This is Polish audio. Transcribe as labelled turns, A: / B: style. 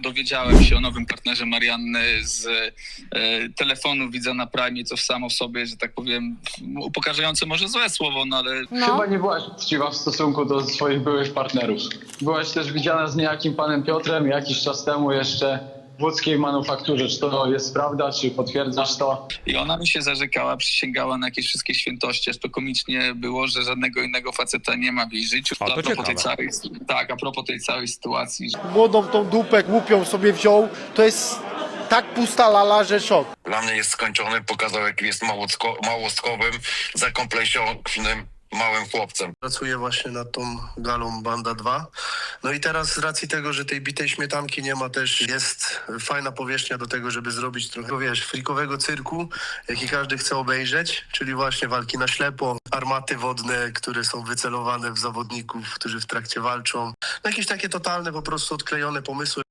A: dowiedziałem się o nowym partnerze Marianny z telefonu widza na Prime, co samo w sobie, że tak powiem, upokarzające może złe słowo, no ale...
B: Chyba nie byłaś uczciwa w stosunku do swoich byłych partnerów. Byłaś też widziana z niejakim panem Piotrem jakiś czas temu jeszcze w łódzkiej manufakturze. Czy to jest prawda, czy potwierdzasz to?
A: I ona mi się zarzekała, przysięgała na jakieś wszystkie świętości, aż to komicznie było, że żadnego innego faceta nie ma w jej życiu.
C: A, to ciekawe.
A: A propos tej całej sytuacji.
D: Młodą tą dupę głupią sobie wziął, to jest tak pusta lala, że szok.
E: Dla mnie jest skończony, pokazał jak jest małostkowym, zakompleksiowanym małym chłopcem.
F: Pracuję właśnie nad tą galą Banda 2. No i teraz z racji tego, że tej bitej śmietanki nie ma, też jest fajna powierzchnia do tego, żeby zrobić trochę, wiesz, frikowego cyrku, jaki każdy chce obejrzeć, czyli właśnie walki na ślepo, armaty wodne, które są wycelowane w zawodników, którzy w trakcie walczą. No jakieś takie totalne, po prostu odklejone pomysły.